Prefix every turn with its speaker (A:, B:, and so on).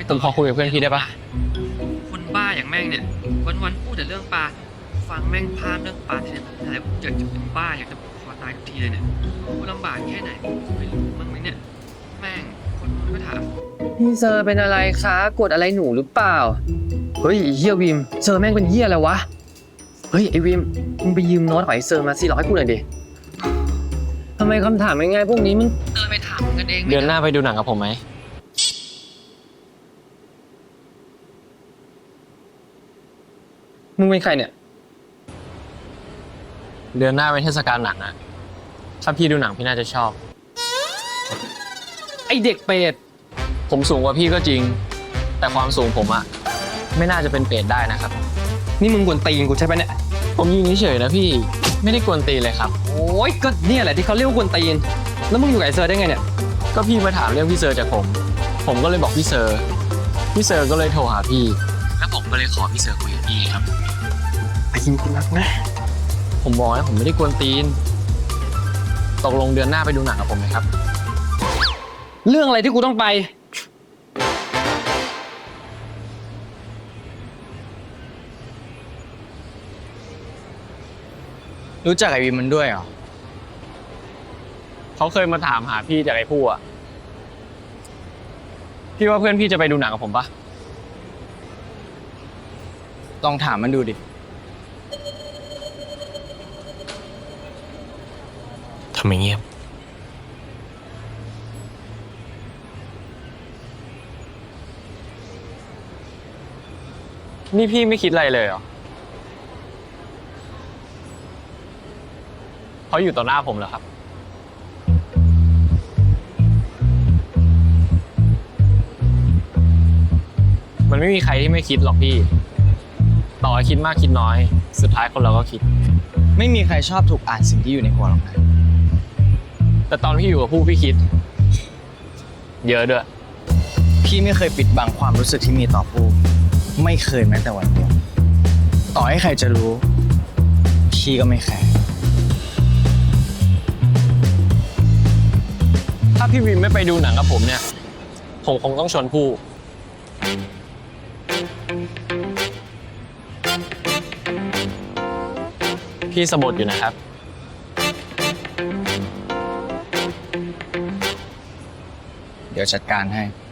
A: ผมขอคุยกับเพื่อนพี่ได้ปะ
B: คนบ้าอย่างแม่งเนี่ยวันพูดแต่เรื่องปลาฟังแม่งพามเรื่องปลาทีไรผมอยากจะเป็นบ้าอยากจะคอตายทุกทีเลยเนี่ยกูลำบากแค่ไหนไม่รู้มั้งไหมเนี่ยแม่งคนก็ถามพี่เซอร์เป็นอะไรคะกดอะไรหนูหรือเปล่าเฮ้ยเฮียวิมเซอร์แม่งเป็นเฮียอะไรวะเฮ้ยไอวิมมึงไปยืมโน้ตของไอเซอร์มา400กูหน่อยดิทำไมคำถามง่ายๆพวกนี้มึงเดินไปถามกันเอง
A: เดือนหน้าไปดูหนังกับผมไหม
B: มึงเป็นใครเนี่ย
A: เดือนหน้าเป็นเทศกาลหนังอะถ้าพี่ดูหนังพี่น่าจะชอบ
B: ไอเด็กเปรต
A: ผมสูงกว่าพี่ก็จริงแต่ความสูงผมอะไม่น่าจะเป็นเปรตได้นะครับ
B: นี่มึงกวนตีนกูใช่ไหมเนี่ย
A: ผมยิงเฉยๆนะพี่ไม่ได้กวนตีนเลยครับ
B: โอ้ยก็เนี่ยแหละที่เขาเรียกว่ากวนตีนแล้วมึงอยู่กับไอเซอร์ได้ไงเนี่ย
A: ก็พี่มาถามเรื่องพี่เซอร์จากผมก็เลยบอกพี่เซอร์ก็เลยโทรหาพี่แล้วผมก็เลยขอพี่เซอร์คุยกับพี่ครับ
B: ไอ้ยิงกูรักนะ
A: ผมบอกให้ผมไม่ได้กวนตีนตกลงเดือนหน้าไปดูหนังกับผมไหมครับ
B: เรื่องอะไรที่กูต้องไป
C: รู้จักไอวิมมันด้วยเหรอ
A: เขาเคยมาถามหาพี่จากไอ้ผู้อะพี่ว่าเพื่อนพี่จะไปดูหนังกับผมปะ
C: ลองถามมันดูดิ
A: ทำไมเงียบนี่พี่ไม่คิดอะไรเลยเหรอเขาอยู่ต่อหน้าผมเหรอครับมันไม่มีใครที่ไม่คิดหรอกพี่ต่อให้คิดมากคิดน้อยสุดท้ายคนเราก็คิด
C: ไม่มีใครชอบถูกอ่านสิ่งที่อยู่ในหัวหรอกนะ
A: แต่ตอนพี่อยู่กับผู้พี่คิดเยอะด้วย
C: พี่ไม่เคยปิดบังความรู้สึกที่มีต่อผู้ไม่เคยแม้แต่วันเดียวต่อให้ใครจะรู้พี่ก็ไม่แคร์
A: ถ้าพี่วิมไม่ไปดูหนังกับผมเนี่ยผมคงต้องชวนผู้พี่สะบัดอยู่นะครับ
C: เดี๋ยวจัดการให้